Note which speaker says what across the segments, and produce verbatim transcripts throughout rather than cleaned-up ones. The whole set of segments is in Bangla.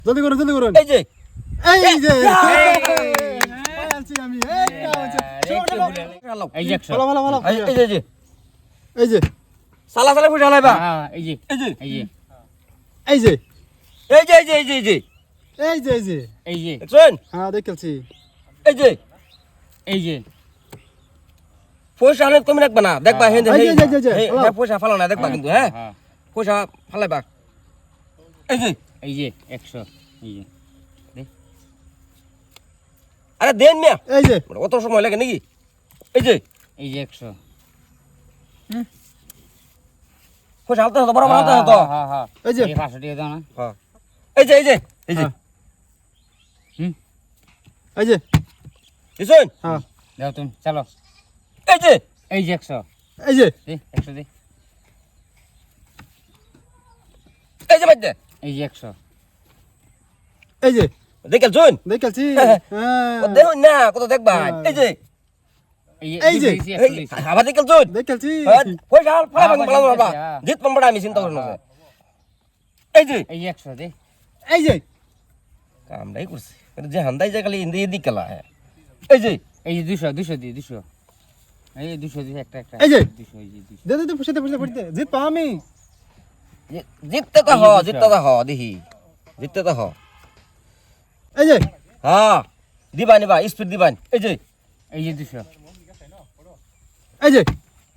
Speaker 1: জলদি করুন জলদি করুন
Speaker 2: এই যে
Speaker 1: এই যে
Speaker 2: এই!
Speaker 1: পালাচ্ছি আমি এই কাজ
Speaker 3: এই যে একশো
Speaker 1: ভালো ভালো ভালো
Speaker 2: এই এই যে, এই যে
Speaker 1: এই যে
Speaker 2: সালা সালা ফুটা লাইবা
Speaker 3: হ্যাঁ এই যে
Speaker 2: এই যে
Speaker 3: এই যে
Speaker 1: এই যে
Speaker 2: এই যে এই যে এই যে এই যে
Speaker 1: এই যে এই যে
Speaker 3: এই যে
Speaker 2: দেখছেন
Speaker 1: হ্যাঁ দেখেছি
Speaker 2: এই যে
Speaker 3: এই যে
Speaker 2: পয়সা অনেক কমে রাখবা না দেখবা হেন
Speaker 1: এই যে, এই যে, এই যে, হ্যালো।
Speaker 2: হ্যাঁ পয়সা ফালো না দেখবা কিন্তু হ্যাঁ
Speaker 3: হ্যাঁ
Speaker 2: পয়সা ফালাইবা এই যে
Speaker 3: এই যে একশো এই যে
Speaker 2: আরে দেন মিয়া
Speaker 1: এই যে
Speaker 2: অত সময় লাগে নাকি এই যে
Speaker 3: এই যে একশো
Speaker 2: পয়সা হালতে হতো বরাবর হালতে হতো
Speaker 3: হ্যাঁ হ্যাঁ
Speaker 1: এই যে
Speaker 3: এই পাঁচশো টাকা দাও না
Speaker 2: হ্যাঁ এই যে এই যে এই যে
Speaker 1: হ্যাঁ।
Speaker 3: হুম
Speaker 1: এই যে
Speaker 2: বুঝছেন
Speaker 1: হ্যাঁ
Speaker 3: দাও তুমি চলো
Speaker 2: এই যে
Speaker 3: এই যে একশো
Speaker 1: এই যে
Speaker 3: দে একশো দে
Speaker 2: এই যে বাজে
Speaker 3: এই যে একশো
Speaker 2: এই যে দেখেল শুন
Speaker 1: দেখেছি
Speaker 2: ও দেখুন না কত দেখবা এই যে
Speaker 1: এই যে,
Speaker 2: এই আবার দেখেল শুন
Speaker 1: দেখেছি
Speaker 2: পয়সা ফালাইবা
Speaker 3: হ্যাঁ,
Speaker 2: ফালাইবা বাবা
Speaker 3: হ্যাঁ।
Speaker 2: জিত পাম্পড়া আমি চিন্তা করি না এই যে
Speaker 3: এই যে একশো দে
Speaker 1: এই যে
Speaker 2: কামটাই করছে যে হান্দাই যায় খালি ইন্দি এদিক গেলা হ্যাঁ এই যে
Speaker 3: এই যে দুশো দুশো দি দুশো এই যে দুশো দুশো একটা একটা
Speaker 1: এই যে।
Speaker 3: দুশো এই যে দুশো
Speaker 1: দে দে দে পুষে দে পুষে পুষে জিত পা আমি
Speaker 2: জি- জিততে তো হ
Speaker 3: এই যে
Speaker 2: জিততে তো হ দেখি জিততে তো হ
Speaker 1: এই যে
Speaker 2: হ্যাঁ দিবা নিবা স্পিড দিবান এই যে
Speaker 3: এই যে দুশো
Speaker 1: এই যে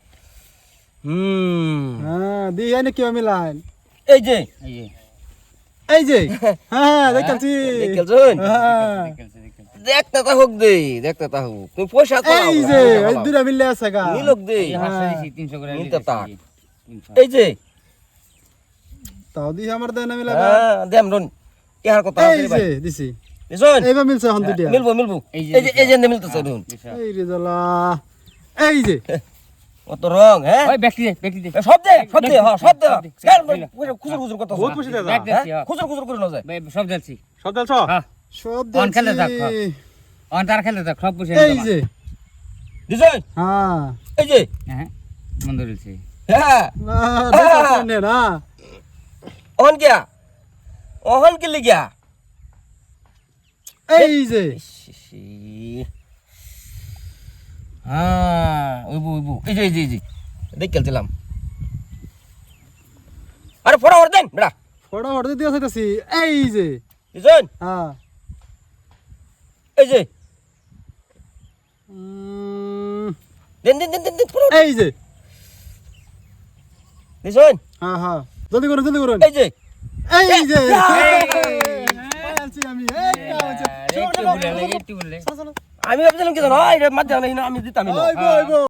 Speaker 2: হুম
Speaker 1: হ্যাঁ দি আইনে কি আমি লাইন
Speaker 2: এই যে
Speaker 3: এই যে
Speaker 1: এই যে হ্যাঁ দেখেছি
Speaker 2: দেখেল শুন
Speaker 1: হ্যাঁ
Speaker 3: দেখেলছে দেখেলছে
Speaker 2: দেখতে তা হোক দে দেখতে তা হোক তুমি পয়সা তো
Speaker 1: এই যে এই দুটা মিললে আছে গা
Speaker 2: নিলোক দে
Speaker 3: এই যে পাঁচশো দিছি তিনশো করে
Speaker 2: নিতে
Speaker 3: দিছি,
Speaker 2: তাক।
Speaker 3: এই যে, তিনশো।
Speaker 2: এই যে
Speaker 1: তাও দি আমার দেন মিলা
Speaker 2: হ্যাঁ দেম রন ইহার কথা
Speaker 1: এই যে দিছি
Speaker 2: শুন
Speaker 1: এইবার মিলছে হন দুটিয়া
Speaker 2: মিলবো মিলবো
Speaker 3: এই
Speaker 2: এই
Speaker 3: যে
Speaker 2: যে এই যে মিলতেছে দেখুন
Speaker 3: দুশো।
Speaker 1: এই রে জ্বালা এই যে
Speaker 2: কত রং হ্যাঁ
Speaker 3: ওই ব্যক্তি দে ব্যক্তি দে
Speaker 2: সব দে সব দে হ্যাঁ সব দে
Speaker 3: সব দে।
Speaker 2: কেন খুচুর খুচুর করতেছ
Speaker 1: বহুত খুশি দাদা
Speaker 3: ব্যাগ দিচ্ছি, হ্যাঁ।
Speaker 2: খুচুর খুচুর করে না যায়
Speaker 3: ভাই, সব দিচ্ছি
Speaker 1: সব দেলছ
Speaker 3: হ্যাঁ
Speaker 1: সব
Speaker 3: অন খেলে থাক,
Speaker 1: দেখছি
Speaker 3: হ্যাঁ। অন তার খেলে থাক সব পুষে
Speaker 1: এই যে
Speaker 2: দিছেন
Speaker 1: হ্যাঁ
Speaker 2: এই যে
Speaker 3: হ্যাঁ মন্দ রয়েছে
Speaker 2: হ্যাঁ
Speaker 1: না দেখছ নে না
Speaker 2: অন গিয়া অহন কি লিগিয়া
Speaker 1: এই যে
Speaker 2: হ্যাঁ ওইবু ওইবু এই যে এই যে এই যে দেখ খেলছিলাম আরে ফোড়া ওর দেন বেড়া
Speaker 1: ফটো ফটো দিয়ে চাইতাছি এই যে
Speaker 2: দিছেন
Speaker 1: হ্যাঁ
Speaker 2: এই যে
Speaker 1: উম,
Speaker 2: দেন দেন দেন দেন দেন ফোড়া
Speaker 1: এই যে
Speaker 2: দিছেন
Speaker 1: হ্যাঁ হ্যাঁ জলদি করুন জলদি করুন
Speaker 2: এই যে
Speaker 1: এই যে
Speaker 2: এই!
Speaker 1: পালাচ্ছি আমি এই কাজ
Speaker 3: একটু বলে একটু বলে
Speaker 2: আমি ভাবছিলাম কি জানো এটা মাঝে আমি দিতাম
Speaker 1: ওই বই বই